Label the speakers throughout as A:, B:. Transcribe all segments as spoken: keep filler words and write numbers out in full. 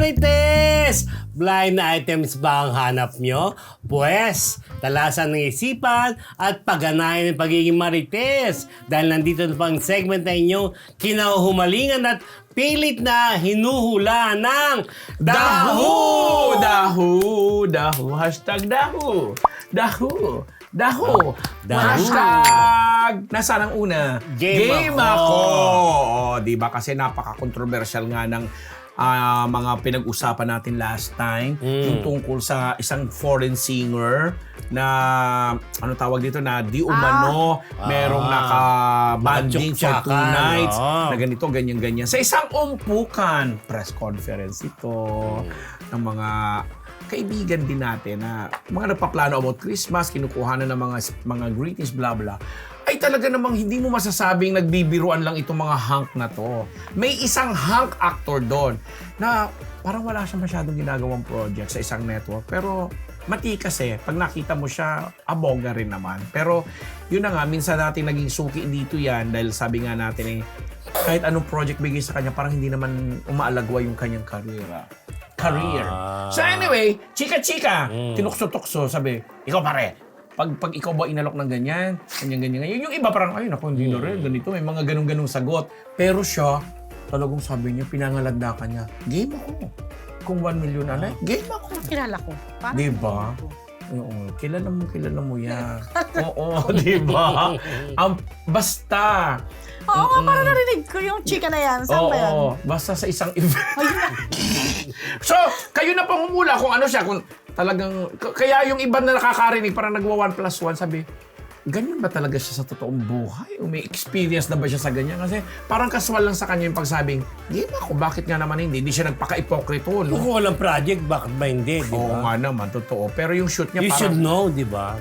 A: Marites! Blind items ba ang hanap nyo? Pwes, talasan ng isipan at pagganayan ng pagiging Marites. Dahil nandito na pang segment na inyong kinahumalingan at pilit na hinuhula ng
B: Dahu! Dahu! Dahu! Hashtag Dahu! Dahu! Dahu!
A: Dahu.
B: Hashtag! Nasaan ang una?
A: Game
B: ako!
A: ako.
B: Oo, di ba? Kasi napaka-controversial nga ng ah, mga pinag-usapan natin last time. Yung tungkol sa isang foreign singer na, ano tawag dito, na di umano, merong
A: Ah.
B: naka-banding for two
A: Nakatsuktsakan,
B: nights.
A: oo.
B: Na ganito, ganyan-ganyan. Sa isang umpukan, press conference ito, ng mga kaibigan din natin na mga nagpaplano about Christmas, kinukuha na ng mga mga greetings, blah blah, ay talaga namang hindi mo masasabing nagbibiruan lang itong mga hunk na to. May isang hunk actor doon na parang wala siya masyadong ginagawang project sa isang network. Pero matikas eh. Pag nakita mo siya, aboga rin naman. Pero yun na nga, minsan natin naging suki dito yan dahil sabi nga natin eh, kahit anong project bigay sa kanya, parang hindi naman umaalagwa yung kanyang karera. Career.
A: Ah.
B: So anyway, chika-chika,
A: Mm.
B: tinukso-tukso, sabi, ikaw pare, pag, pag ikaw ba inalok ng ganyan, ganyan-ganyan, ganyan. Yung iba parang, ay naku, hindi na rin, ganito, may mga ganung-ganung sagot. Pero siya, talagang sabi niya, pinangalandakan niya, game ako. Kung one million na, game ako.
C: Kilala ko. Parang
B: Di ba? Oo, kilala mo, kilala mo yan. Oo, di ba? Ang basta.
C: Oo nga, parang narinig ko yung chika na yan. Saan ba yan?
B: Oo, basta sa isang event.
C: Ayun na.
B: So, kayo na pangumula kung ano siya, kung talagang, k- kaya yung iba na nakakarinig, parang nagwa one plus one, sabi, ganyan ba talaga siya sa totoong buhay? O may experience na ba siya sa ganyan? Kasi parang kaswal lang sa kanya yung pagsabing, game ako, bakit nga naman hindi? Hindi siya nagpaka-ipokrito, no?
A: Kung walang project, bakit ba hindi? Di
B: Oo
A: ba?
B: nga naman, totoo. Pero yung shoot niya
A: You
B: parang...
A: should know, di ba?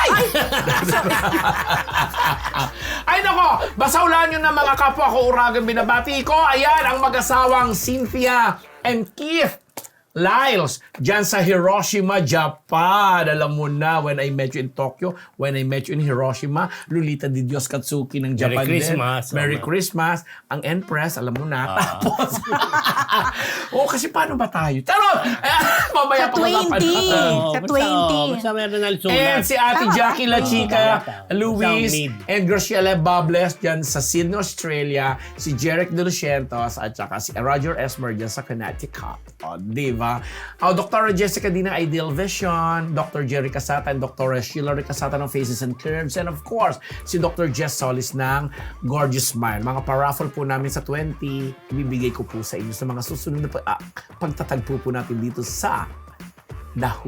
B: Ay nako, basahulan nyo na mga kapwa ko uragang binabati ko. Ayan, ang mag-asawang Cynthia and Keith Lyles, dyan sa Hiroshima, Japan. Alam mo na, when I met you in Tokyo, when I met you in Hiroshima, Lolita Di Dios Katsuki ng Japan
A: Merry
B: din.
A: Christmas.
B: Merry
A: Oh,
B: Christmas. Ang Empress, alam mo na. Tapos, oh, kasi paano ba tayo? Taro! Mamaya
C: Sa
B: pag-usapan
C: twenty.
B: natin.
A: Oo,
C: Sa
A: basta,
C: twenty.
A: oh, Basta meron na sulat.
B: And si Ate
C: Tama.
B: Jackie La Chica,
A: Basta
B: Luis,
A: ang need.
B: and Graciela Bables dyan sa Sydney, Australia, si Jeric De Lucientos, at saka si Roger Esmer dyan sa Connecticut. O, di ba? O, Doctor Jessica Dina, Ideal Vision, Doctor Jerry Casata, and Doctor Sheila Casata ng Faces and Curves, and of course, si Doctor Jess Solis ng Gorgeous Smile. Mga paraffle po namin sa twenty, ibibigay ko po sa inyo sa mga susunod na pa- ah, pagtatagpo po natin dito sa Dahu.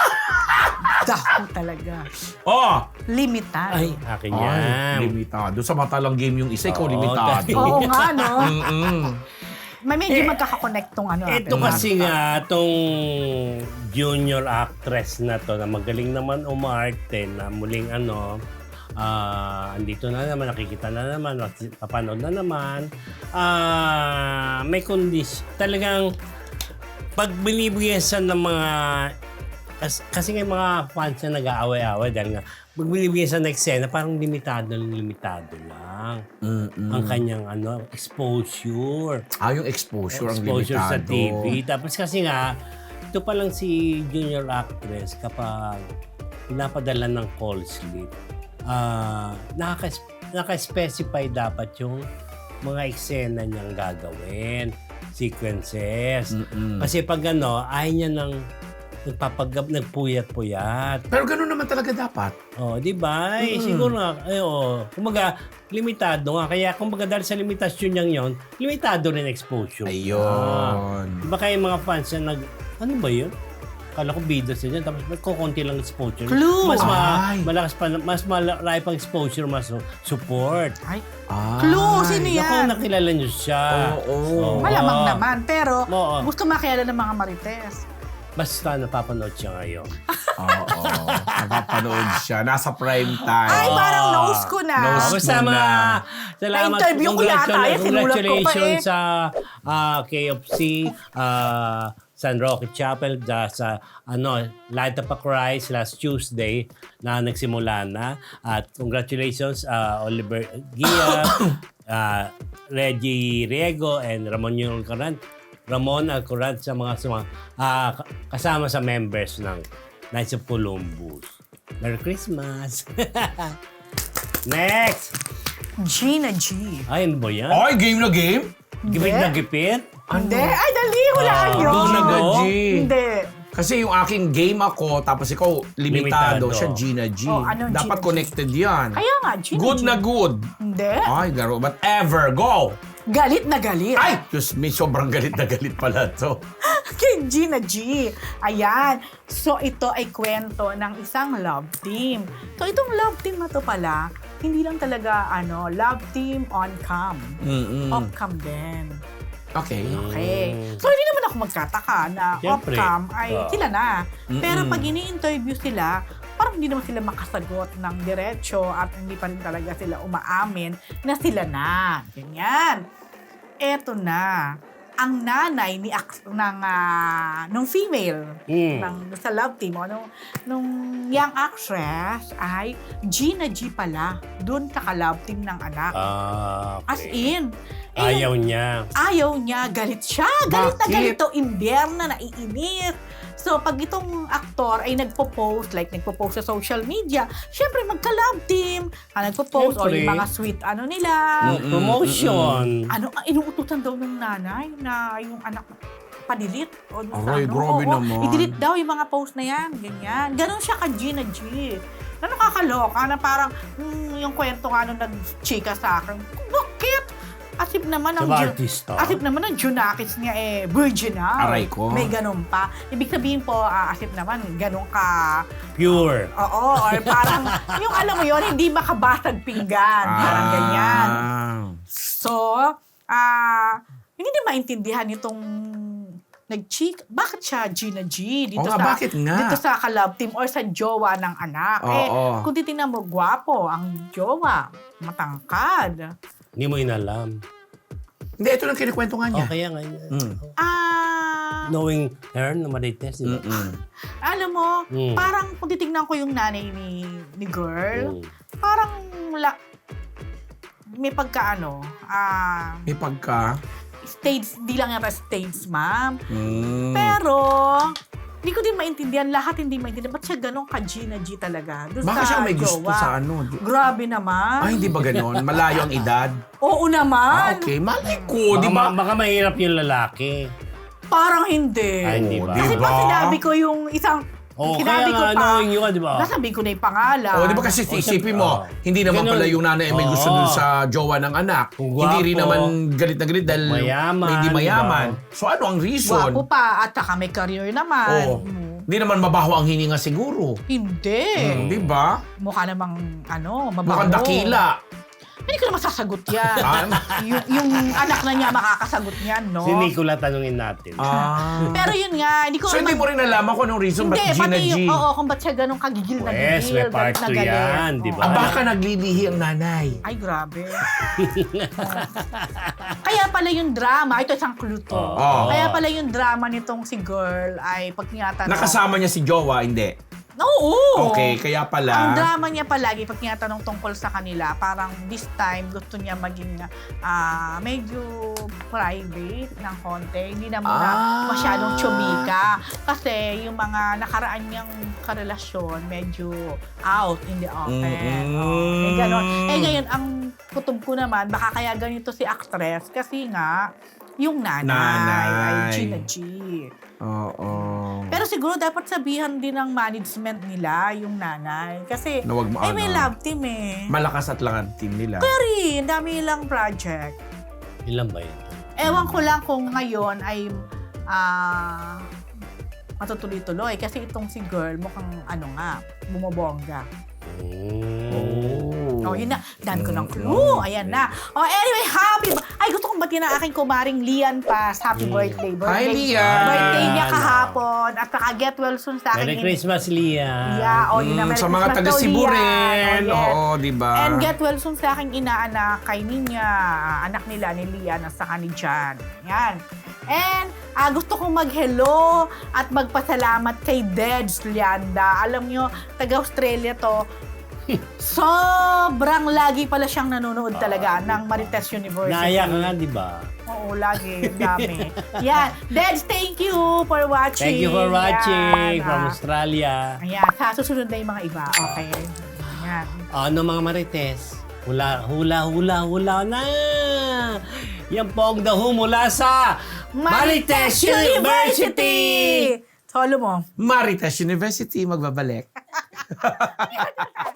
C: Dako talaga.
B: Oh!
C: Limitado.
A: Ay, akin
B: Ay,
A: yan.
B: limitado. Sa matalang game yung isa, ikaw
A: Oo,
B: limitado.
A: dahil-
C: Oo nga, no?
B: Mm-mm.
C: May medyo magkakakonect tong ano.
A: Ito
C: natin.
A: kasi nga, itong junior actress na to, na magaling naman umarte, na muling ano, ah andito na naman, nakikita na naman, papanood na naman. Ah may kondisyon. Talagang, pag binibigyan siya ng mga, kas- kasi nga yung mga fans na nag-aaway-aaway dahil nga, pag binibigyan siya ng eksena, parang limitado lang, limitado lang.
B: Mm-mm.
A: Ang kanyang ano, exposure.
B: Ah, yung exposure, ang
A: Exposure sa
B: limitado.
A: T V. Tapos kasi nga, ito pa lang si junior actress kapag pinapadala ng call slip, ah nakaka- naka-specify dapat yung mga eksena niyang gagawin, sequences.
B: Mm-mm.
A: Kasi pag ano, ayaw niya ng nagpapagab, nagpuyat-puyat.
B: Pero gano'n naman talaga dapat.
A: Oh, di ba? Eh,
B: Mm.
A: siguro nga, ay, oh, kumbaga, limitado nga. Kaya kumbaga dahil sa limitasyon niyang yon, limitado rin exposure. Ah.
B: Ayun.
A: Di ba kaya yung mga fans na nag, ano ba yun? Kala ko bida sila, tapos may kukunti lang exposure.
C: Clue!
A: Mas ma-
B: Ay.
A: malakas pa, mas malaki pang exposure, mas support.
C: Ay,
B: Ay.
C: clue, sino
A: Naku,
C: yan?
A: nakilala niyo siya.
B: Oo.
C: Malamang naman, pero
A: Oo.
C: gusto makilala ng mga marites.
A: Basta napapanood siya ngayon.
B: Oo. Nakapanood siya. Nasa prime time.
C: Ay, parang nose ko na.
B: Nose
A: Oh, basta
B: mo
A: ma,
B: na.
A: salamat.
C: Na-interview ko yata
A: Congratula-
C: eh, sinulat ko pa
A: Congratulations
C: eh.
A: sa ah, K F C, ah, San Roque Chapel, da, sa ano, Light Up a Christ last Tuesday na nagsimula na. At congratulations ah, Oliver Gia, ah, Reggie Riego, and Ramon Yulcaran. Ramon Alcoraz sa mga suma, ah, ka- kasama sa members ng Knights of Columbus. Merry Christmas! Next!
C: Gina G.
A: Ay, ano ba yan?
B: Ay, game na game?
A: Gipit
C: Hindi.
A: na gipit?
C: Hindi. Ay, dali. Hulaan
A: Ah,
C: yun.
A: go na go?
B: G.
C: Hindi.
B: Kasi yung aking game ako, tapos ikaw limitado,
A: Limitado.
B: siya Gina G.
C: Oh, anong
B: Dapat
C: Gina G?
B: connected yan.
C: Kaya nga, Gina
B: Good
C: G.
B: na good.
C: Hindi.
B: Ay, garo. But ever, go!
C: Galit na galit.
B: Ay! Diyos me, sobrang galit na galit pala to.
C: Kay Gina G. Ayan. So, ito ay kwento ng isang love team. So, itong love team na to pala, hindi lang talaga, ano, love team on cam.
B: Mm-mm.
C: Off cam din.
B: Okay.
C: Okay.
A: Mm.
C: So, hindi naman ako magkataka na
A: Siyempre.
C: off-cam ay
A: Ah.
C: sila na. Pero
B: Mm-mm.
C: pag ini-interview sila, parang hindi naman sila makasagot ng diretso at hindi pa rin talaga sila umaamin na sila na. Ganyan. Eto na. Ang nanay ni ac- ng ah, nung female
A: Mm.
C: ng sa love team o nung, nung young actress ay Gina G pala. Doon kaka-love team ng anak.
A: Ah, okay.
C: As in, eh,
A: Ayaw niya.
C: ayaw niya, galit siya. Galit na
B: Bakit?
C: galit to, imbierna, naiinit. So, pag itong aktor ay nagpo-post, like nagpo-post sa social media, syempre magka-love team, ah, nagpo-post, o
A: Syempre.
C: yung mga sweet ano nila.
B: Mm-mm.
A: Promotion.
C: Ano, ang inuutusan daw ng nanay na yung anak padilit. O, dun sa
B: Aray,
C: ano,
B: grabe
C: oo,
B: naman.
C: I-delete daw yung mga post na yan, ganyan. Ganon siya ka Gina G. Na nakakaloka na parang hmm, yung kwento nga nung nag-chika sa akin, bakit? Asip naman ang
A: Sa
C: Ju-
A: artista.
C: Asip naman ang Junakis niya eh, virgin na.
B: Aray ko.
C: May ganun pa. Ibig sabihin po, ah, asip naman, ganun ka,
A: Pure.
C: oo, or parang, yung alam mo yon hindi makabasag pinggan. Parang ganyan.
B: Ah.
C: So, ah, hindi din maintindihan itong nag-cheek. Bakit siya Gina G? Dito
B: Oo nga,
C: sa,
B: bakit nga?
C: Dito sa ka-love team or sa jowa ng anak.
B: Oo.
C: Eh, kung titingnan mo, gwapo ang jowa. Matangkad.
A: Hindi mo inalam.
B: Hindi, ito lang kinikwento nga niya.
A: Oh, kaya nga.
B: Mm.
C: Ah,
A: Knowing her na marites, di ba?
B: Mm-mm.
C: alam mo,
A: Mm.
C: parang kung titignan ko yung nanay ni, ni girl,
A: Mm.
C: parang la, may pagkaano, ah,
B: May pagka...
C: stage, di lang yata stage, ma'am.
B: Mm.
C: Pero, hindi ko din maintindihan, lahat hindi maintindihan. Ba't siya ganun ka Gina G talaga? Doon
B: Baka
C: sa
B: siya may gusto
C: jowa.
B: sa ano. di-
C: Grabe naman.
B: Ay, hindi ba ganon? Malayo ang edad?
C: Oo
B: Ah,
C: naman.
B: okay. Malay ko,
A: Baka,
B: di ba?
A: ma- baka mahirap yung lalaki.
C: Parang hindi.
A: Ay, hindi ba?
C: Kasi
B: Di ba?
C: pag sinabi ko yung isang,
A: Oh,
C: sinabi
A: kaya
C: ko
A: nga,
C: pa,
A: knowing you ka, di ba?
C: nasabi ko na yung pangalan.
B: O, di ba kasi
A: Oh,
B: isipin
A: siyempre,
B: mo,
A: oh.
B: hindi naman
A: Ganun.
B: pala yung nanay ay may gusto
A: Oo.
B: dun sa jowa ng anak.
A: Kung
B: Hindi rin
A: gwapo.
B: naman galit na galit dahil
A: Mayaman,
B: hindi mayaman.
A: di
B: So ano ang reason?
C: Gwapo pa at saka may career naman.
B: Oo.
C: Mm.
B: Hindi naman mabaho ang hininga siguro.
C: Hindi.
B: Hmm, di ba?
C: Mukha namang, ano, mabaho.
B: Mukhang dakila.
C: Hindi ko naman sasagot yan.
B: Ah.
C: yung, yung anak na niya makakasagot niyan, no?
A: Si Nicola tanungin natin.
B: Ah.
C: Pero yun nga, hindi ko
B: So hindi mo rin alam kung anong reason
C: Hindi,
B: ba't Gina
C: pati
B: G?
C: yung, oo, kung ba't siya ganun kagigil na
A: Yes,
C: gigil,
A: may part
C: galit na
A: two
C: galit.
A: yan, di ba?
B: Ah,
C: Oo.
B: baka naglilihi ang nanay.
C: Ay, grabe. Kaya pala yung drama, ito isang clue to.
B: Oo.
C: Kaya pala yung drama nitong si girl ay pag tinatanong.
B: Nakasama niya si jowa, hindi.
C: Oo.
B: Okay, kaya
C: Ang
B: pala.
C: drama niya palagi pag tinatanong tungkol sa kanila, parang this time gusto niya maging ah, medyo private ng konti. Hindi na muna
B: Ah.
C: masyadong chumika. Kasi yung mga nakaraan niyang karelasyon, medyo out in the open.
B: Mm-mm.
C: Oh, eh, ganon. Eh ngayon, ang kutob ko naman, baka kaya ganito si actress kasi nga, yung nanay,
B: Nanay.
C: ay Gina G.
B: Oo.
C: Pero siguro dapat sabihan din ng management nila yung nanay. Kasi,
B: Na wag mo
C: eh, may
B: ano.
C: love team eh.
B: Malakas at lang ang team nila.
C: Pero, dami lang project.
A: Ilan ba yun?
C: Ewan ko lang kung ngayon ay ah matutuloy-tuloy. Kasi itong si girl, mukhang ano nga, bumobongga.
A: Mm.
C: Oh, yun na. Dami ko ng clue. Ayan na. Oh, anyway, happy... Ay, gusto kong batiin ang aking kumaring Lian Paz. Happy birthday. birthday.
B: Hi, Lian!
C: Birthday niya kahapon. At saka get well soon sa akin.
A: Merry Christmas, Lia.
C: Yeah, oh, yun na.
B: Mm,
C: Merry
B: sa mga
C: Christmas
B: taga
C: daw,
B: Cebu
C: Lian.
B: rin.
C: Oh, yes.
B: Oo, di ba?
C: And get well soon sa aking inaanak kay Ninya, anak nila ni Lian at saka ni Jan. Yan. And ah, gusto kong mag-hello at magpasalamat kay Deds Lianda. Alam nyo, taga-Australia to. Sobrang lagi pala siyang nanonood talaga ng Marites University.
A: Naaya ka nga, di ba?
C: Oo, lagi. Ang dami. Yan. Deds, thank you for watching.
A: Thank you for watching
C: Yan.
A: from
C: Ah,
A: Australia.
C: Ayan. Sa susunod na yung mga iba. Okay. Ayan.
A: Ano mga marites? Hula, hula, hula, hula na! Yan po ang daho mula sa Marites University!
C: Solo mo.
B: Marites University, magbabalik.